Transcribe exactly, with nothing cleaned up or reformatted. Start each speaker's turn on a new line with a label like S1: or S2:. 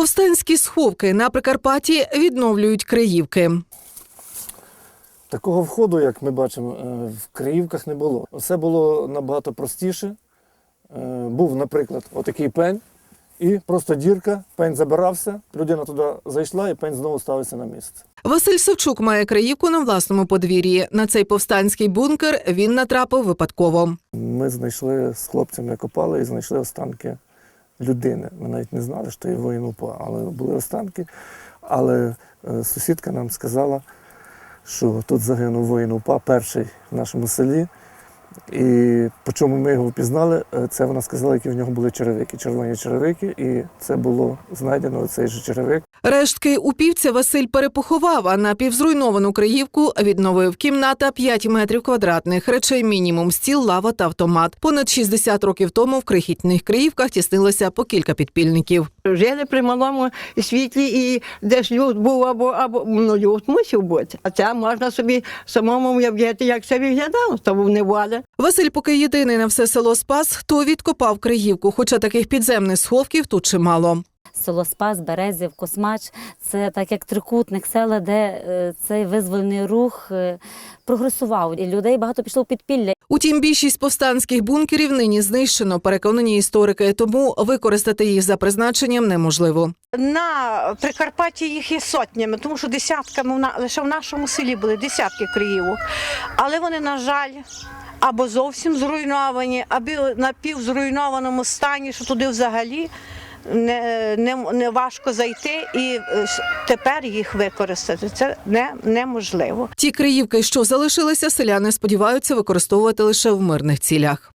S1: Повстанські сховки на Прикарпатті відновлюють Криївки.
S2: Такого входу, як ми бачимо, в Криївках не було. Все було набагато простіше. Був, наприклад, отакий пень, і просто дірка, пень забирався, людина туди зайшла і пень знову ставився на місце.
S1: Василь Савчук має Криївку на власному подвір'ї. На цей повстанський бункер він натрапив випадково.
S2: Ми знайшли з хлопцями, копали і знайшли останки людини. Ми навіть не знали, що є воїн УПА, але були останки. Але сусідка нам сказала, що тут загинув воїн УПА, перший в нашому селі. І по чому ми його впізнали, це вона сказала, які в нього були черевики, червоні черевики, і це було знайдено цей же черевик.
S1: Рештки упівця Василь перепоховав, а напівзруйновану Криївку відновив. Кімната п'ять метрів квадратних, речей мінімум, стіл, лава та автомат. Понад шістдесят років тому в крихітних Криївках тіснилося по кілька підпільників.
S3: Жили при малому світлі, і де ж люд був, або, або ну, люд мусив бути. А це можна собі самому уявити, як це виглядало, то був неволя.
S1: Василь, поки єдиний на все село Спас, хто відкопав Криївку, хоча таких підземних сховків тут чимало.
S4: Село Спас, Березів, Космач – це так як трикутник села, де е, цей визвольний рух е, прогресував. І людей багато пішло в підпілля.
S1: Утім, більшість повстанських бункерів нині знищено, переконані історики, тому використати їх за призначенням неможливо.
S5: На Прикарпатті їх є сотнями, тому що десятками, лише в нашому селі були десятки Криївок. Але вони, на жаль, або зовсім зруйновані, або в напівзруйнованому стані, що туди взагалі не, не, не важко зайти, і тепер їх використати це не, неможливо.
S1: Ті Криївки, що залишилися, селяни сподіваються використовувати лише в мирних цілях.